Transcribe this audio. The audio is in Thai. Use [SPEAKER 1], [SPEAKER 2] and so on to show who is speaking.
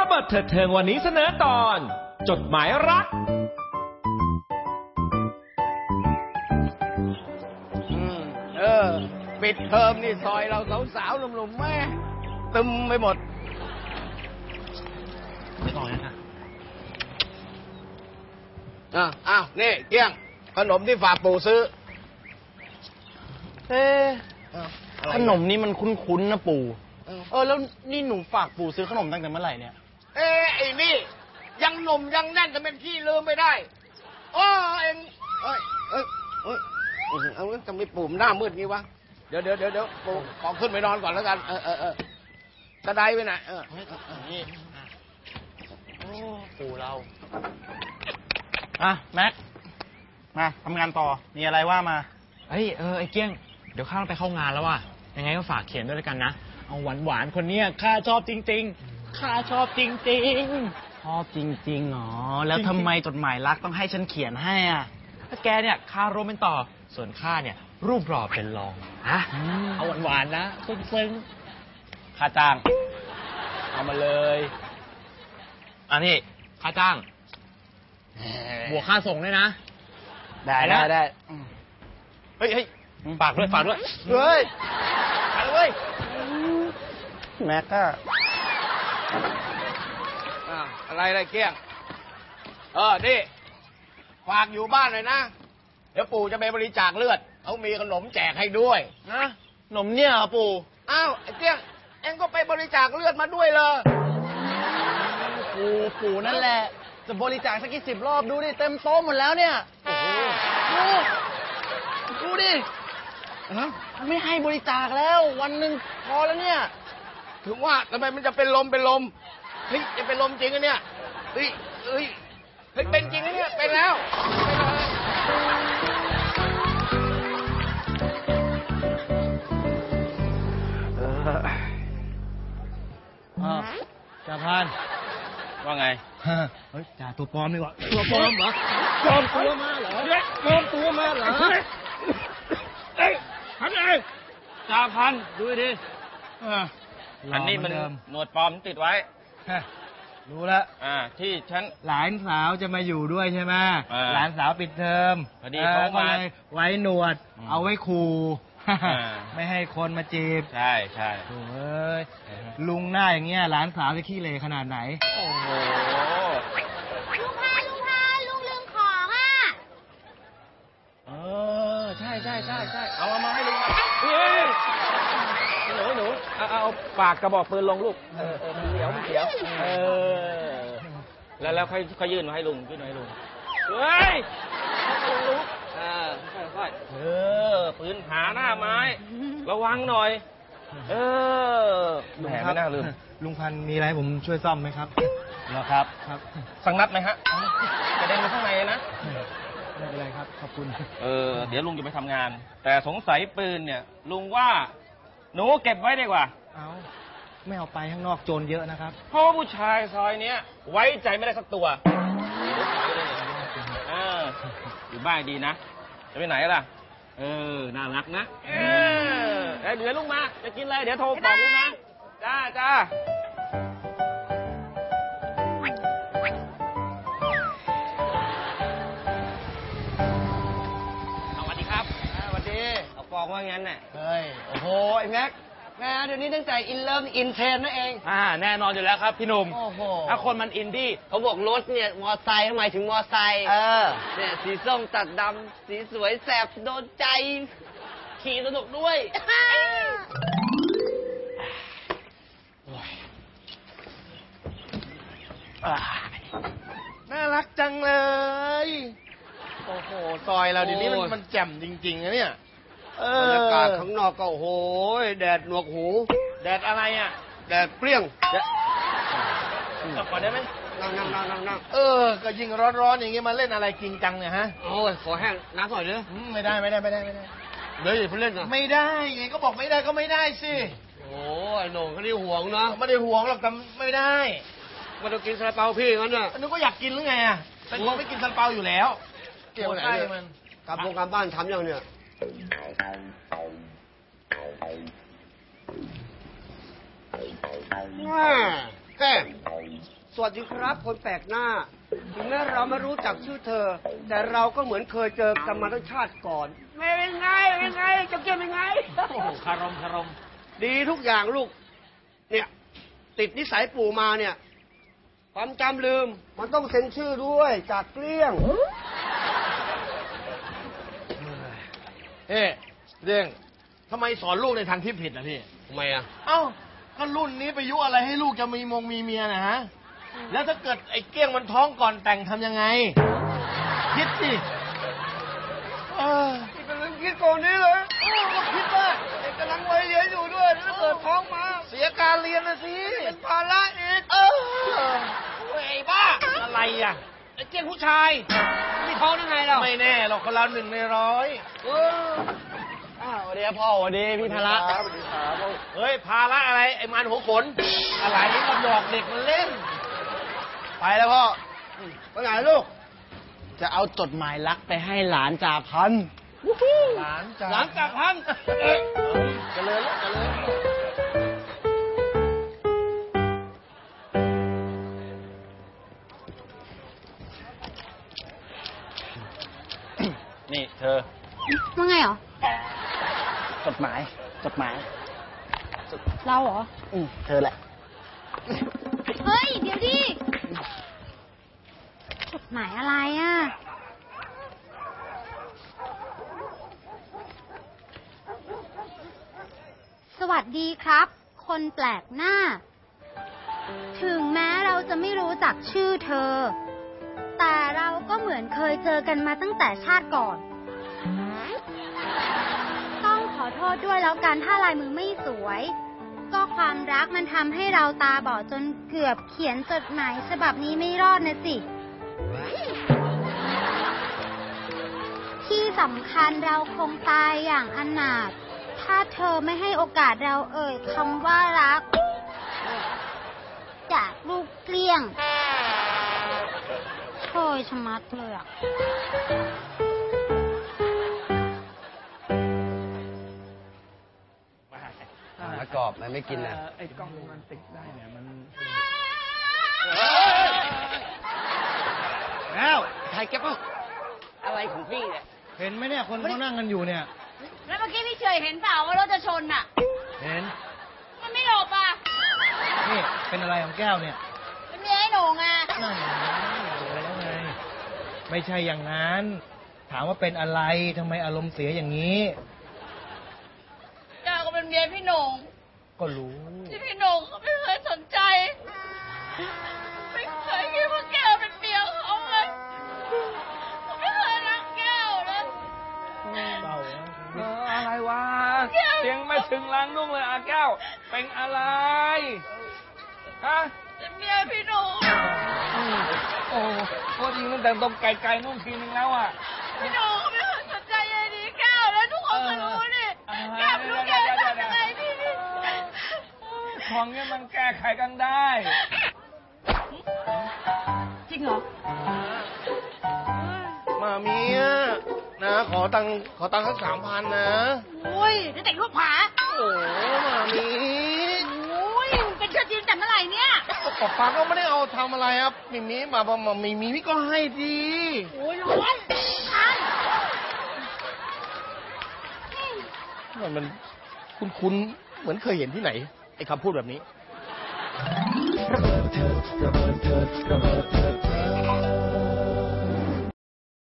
[SPEAKER 1] ระเบิดเถิดเทิงวันนี้เสนอตอนจดหมายรัก
[SPEAKER 2] ปิดเทอมนี่ซอยเราสาวๆหนุ่มๆแม่ตึมไปหมด
[SPEAKER 3] ไม่ต่อนะ
[SPEAKER 2] อ้าวนี่เกี้ยงขนมที่ฝากปู่ซื้อ
[SPEAKER 3] ขนมนี่มันคุ้นๆนะปู่แล้วนี่หนูฝากปู่ซื้อขนมตั้งแต่เมื่อไหร่เนี่ย
[SPEAKER 2] ไอ้นี่ยังหนุ่มยังแน่นแต่เป็นขี้ลืมไม่ได้เอ็งเอาทำไมปู่หน้ามืดงี้วะเดี๋ยวปู่ขอขึ้นไปนอนก่อนแล้วกันกระไดไปไหน
[SPEAKER 3] นี่ปู่เราแม็กมาทำงานต่อมีอะไรว่ามา
[SPEAKER 4] ไอ้เกี้ยงเดี๋ยวข้าต้องไปเข้างานแล้วว่ะยังไงก็ฝากเขียนด้วยกันนะเอาหวานคนเนี้ยข้าชอบจริงๆข้าชอบจริง
[SPEAKER 3] ๆชอบจริงๆหรอแล้วทำไมจดหมายรักต้องให้ฉันเขียนให้อ่ะ
[SPEAKER 4] ถ้าแกเนี่ยข้าโรมเป็นต่อส่วนข้าเนี่ยรูปหล่อเป็นรองเอาหวานนะซึ้ง
[SPEAKER 3] ค่าจ้างเอามาเลย
[SPEAKER 4] อันนี้ค่าจ้างบวกค่าส่งด้วยนะ
[SPEAKER 3] ได้เฮ้ยฝากด้วย
[SPEAKER 2] เฮ้ย
[SPEAKER 3] แม็กก็
[SPEAKER 2] อะไรเกี้ยงนี่ฝากอยู่บ้านเลยนะเดี๋ยวปู่จะไปบริจาคเลือดเขามีขนมแจกให้ด้วย
[SPEAKER 3] นะขนมเนี่ยเหรอปู่
[SPEAKER 2] ไอ้เกี้ยงเอ็งก็ไปบริจาคเลือดมาด้วยเลย
[SPEAKER 3] ปู่นั่นแหละจะบริจาคสักกี่10 รอบดูดิเต็มโต๊ะหมดแล้วเนี่ยดูดิไม่ให้บริจาคแล้ววันหนึ่งพอแล้วเนี่ย
[SPEAKER 2] ถึงว่าทำไมมันจะเป็นลมเฮ้ยจะเป็นลมจริงอะเนี่ยเฮ้ยเป็นจริงอะเนี่ยเป็นแล้ว
[SPEAKER 3] จ่าพัน
[SPEAKER 4] ว่าไง
[SPEAKER 3] เฮ้ยจ่าตัวปลอมดีกว่า
[SPEAKER 4] ตัวปลอมเหรอ
[SPEAKER 3] ปลอมตัวมาเหรอ
[SPEAKER 4] พันจ่าพันดูดิอันนี้มันหนวดปลอมติดไว้
[SPEAKER 3] รู้แล้ว
[SPEAKER 4] ที่ฉัน
[SPEAKER 3] หลานสาวจะมาอยู่ด้วยใช่ไหมหลานสาวปิดเทอม
[SPEAKER 4] พอดีเขามา
[SPEAKER 3] ไว้หนวดเอาไว้ขู่ไม่ให้คนมาจีบ
[SPEAKER 4] ใช่
[SPEAKER 3] โอ้ยลุงหน้าอย่างเงี้ยหลานสาวจะขี้เหร่ขนาดไหน
[SPEAKER 4] โอ้โห
[SPEAKER 5] ลุงพาลุงลืมของ
[SPEAKER 4] ใช่เอามาให้ลุงหนูเอาปากกระบอกปืนลงลูกเดี๋ยวแล้วค่อยยื่นมาให้ลุงเฮ้ยลุงค่อยปืนผาหน้าไม้ระวังหน่อย
[SPEAKER 3] แหมไม่น่าลืมลุงพันมีอะไรผมช่วยซ่อมไหมครับ
[SPEAKER 4] เหรอครับสักนัดไหมฮะกระเด็นไปข้างในนะ
[SPEAKER 3] ไม่เป็นไรครับขอบคุณ
[SPEAKER 4] เดี๋ยวลุงจะไปทำงานแต่สงสัยปืนเนี่ยลุงว่าหนูเก็บไว้ดีกว่า
[SPEAKER 3] ไม่เอาไปข้างนอกโจรเยอะนะครับ
[SPEAKER 4] เพราะผู้ชายซอยเนี้ยไว้ใจไม่ได้สักตัวอยู่บ้านดีนะจะไปไหนล่ะน่ารักนะเดี๋ยวลุงมาจะกินอะไรเดี๋ยวโทรบอกลุงนะจ้าสวัสดีครับ
[SPEAKER 2] สวัสดี
[SPEAKER 4] เอากองว่างั้นน่ะ
[SPEAKER 2] เฮ้ยโอ้โหไอ้แม็กเดี๋ยวนี้ตั้งใจอินเลิฟอินเทรนนั่นเอง
[SPEAKER 4] แน่นอนอยู่แล้วครับพี่หนุ่ม
[SPEAKER 2] โอ้โห
[SPEAKER 4] ถ้าคนมันอินดี้
[SPEAKER 2] เขาบอกรถเนี่ยมอไซค์ทำไมถึงมอไซค์เนี่ยสีส้มตัดดำสีสวยแสบโดนใจขี่สนุกด้วยน่ารักจังเลยโอ้โหซอยเราเดี๋ยวนี้มันแจ่มจริงๆนะเนี่ยบรรยากาศข้างนอกก็โอ้โหแดดหนวกหู
[SPEAKER 4] แดดอะไร
[SPEAKER 2] แดดเปรี้ยง
[SPEAKER 4] กลับก่อนได้ไหม
[SPEAKER 2] นั่งก็ยิ่งร้อนๆอย่างงี้มาเล่นอะไรจริงจังเนี่ยฮะโอ้ยขอแห้งน้ำหน่อยเด้อไม่ได้เดี๋ยวอย่าเพิ่งเล่นนะไม่ได้ไงก็บอกไม่ได้ก็ไม่ได้สิโอ้ยโหน่งเขาได้ห่วงเนาะไม่ได้ห่วงหรอกแต่ไม่ได้มาต้องกินซาลาเปาพี่งั้นน่ะนึกว่าอยากกินหรือไงเป็นคนไม่กินซาลาเปาอยู่แล้วเกี่ยวไหนมันการบ้านทำยังเนี่ยแค่
[SPEAKER 6] สวัสดีครับคนแปลกหน้าถึงแม้เราไม่รู้จักชื่อเธอ แต่เราก็เหมือนเคยเจอกันมาตั้งชาติก่อนเป็นไงเจ้าเกี้ยเป็นไง
[SPEAKER 4] โอ้โหคารม
[SPEAKER 6] ดีทุกอย่างลูก เนี่ย ติดนิสัยปู่มาเนี่ย ความจำลืม มันต้องเซ็นชื่อด้วยจากเกลี้ยง
[SPEAKER 2] เฮ้เรื่องทำไมสอนลูกในทางที่ผิดนะพี่
[SPEAKER 6] ทำไมอ่ะ
[SPEAKER 2] เอ้าก็รุ่นนี้ไปยุอะไรให้ลูกจะมีมีเมียนะฮะ แล้วถ้าเกิดไอ้เกี้ยงมันท้องก่อนแต่งทำยังไง คิดสิ
[SPEAKER 6] นี่เป็นเรื่องคิดก่อนนี้เลยก็คิดว่าเด็กกำลังวัยเรียนอยู่ด้วยแล้วเกิดท้องมา
[SPEAKER 2] เสียการเรียนนะสิ
[SPEAKER 6] เป็นภาระอีกไอ้บ้า
[SPEAKER 2] อะไรอ่ะ
[SPEAKER 6] ไอ้เกี้ยงผู้ชายมีท้องได้ไงเรา
[SPEAKER 2] ไม่แน่หรอกคนเรา1 ใน 100
[SPEAKER 3] สวัสดีครับพ่อสวัสดีพี่ธาระ
[SPEAKER 2] เฮ้ยภาระอะไรไอ้มันหัวขน อะไรนี่ก็หยอกเด็กมันเล่น ไปแล้วพ่อ
[SPEAKER 6] ไปไหนลูก
[SPEAKER 3] จะเอาจดหมายรักไปให้หลานจ่าพันธุ์
[SPEAKER 2] หลานจ้า
[SPEAKER 6] หลังจากพัน
[SPEAKER 2] เจริญแล้วเจริญ
[SPEAKER 3] นี่เธอ
[SPEAKER 5] ว่าไงเหรอ
[SPEAKER 3] จดหมาย
[SPEAKER 5] เราเหรอ
[SPEAKER 3] เธอแหละ
[SPEAKER 5] เฮ้ย เดี๋ยวดิ จดหมายอะไรอ่ะ สวัสดีครับ คนแปลกหน้า ถึงแม้เราจะไม่รู้จักชื่อเธอ แต่เราก็เหมือนเคยเจอกันมาตั้งแต่ชาติก่อน ต้องขอโทษด้วยแล้วกันถ้าลายมือไม่สวย ก็ความรักมันทำให้เราตาบอดจนเกือบเขียนจดหมายฉบับนี้ไม่รอดนะสิ ที่สำคัญเราคงตายอย่างอนาถถ้าเธอไม่ให้โอกาสเราเอ่ยคำว่ารัก จากลูกเกลี้ยงโชยชะมัดเลยอ่ะ
[SPEAKER 6] มะกรอบมันไม่กินนะ
[SPEAKER 3] ไอ้กล้องมันติดได้เนี่ยมัน
[SPEAKER 2] แล้ว
[SPEAKER 6] ใครแกปะอะไรของพี่เนี่ย
[SPEAKER 2] เห็นไหมเนี่ยคนเขานั่งกันอยู่เนี่ย
[SPEAKER 5] แล้วเมื่อกี้พี่เฉยเห็นเปล่าว่ารถจะชนอ่ะ
[SPEAKER 2] เห็น
[SPEAKER 5] มันไม่หลบอ่ะ
[SPEAKER 2] นี่เป็นอะไรของแก้วเนี่ย
[SPEAKER 5] เป็นเมียไอ้โหน่งอ่ะ
[SPEAKER 2] นั่นไงแล้วไง ไม่ใช่อย่างนั้น ถามว่าเป็นอะไรทำไมอารมณ์เสียอย่างนี้
[SPEAKER 5] แกก็เป็นเมียพี่โหน่ง
[SPEAKER 2] ก็รู้
[SPEAKER 5] ที่พี่โหน่งเขาไม่เคยสนใจ ไม่เคยคิดว่าแกเป็นเมียเขาเลยเขาไม่เคยรักแก้วเลย
[SPEAKER 2] เศร้านะ
[SPEAKER 4] อะไรวะเสียงไม่ถึงล้างนุ่งเลยอาแก้ว เป็นอะไร ฮะ
[SPEAKER 5] เป็นเมียพี่โหน่ง
[SPEAKER 4] โอ้โหยิงตั้งแต่ตรงไกลๆนู่นทีนึงแล้วอ่ะ
[SPEAKER 5] พี่โหน่งเขาไม่เคยสนใจยายดีแก้วแล้วทุกคนก็รู้นี่แก้วไม่รู้แกจะทำยังไงพี่
[SPEAKER 4] ของเนี้ยมันแก้ไขกันได้
[SPEAKER 5] จริงเหรอ
[SPEAKER 2] มามีอะนะขอตังค์สัก3,000นะ
[SPEAKER 5] โอ้ยจะแต่งรูปผา
[SPEAKER 2] โอ้มามี
[SPEAKER 5] โอ้ยเป็นเชื้อจีนแต่เมื่อไหร่เนี่ย
[SPEAKER 2] ป๊าก็ไม่ได้เอาทำอะไรครับมีมามีพี่ก็ให้ดี
[SPEAKER 5] โอ้ยร้อนคัน
[SPEAKER 2] มันคุ้นเหมือนเคยเห็นที่ไหนไอ้คำพูดแบบนี้
[SPEAKER 7] ระเบิดเถิด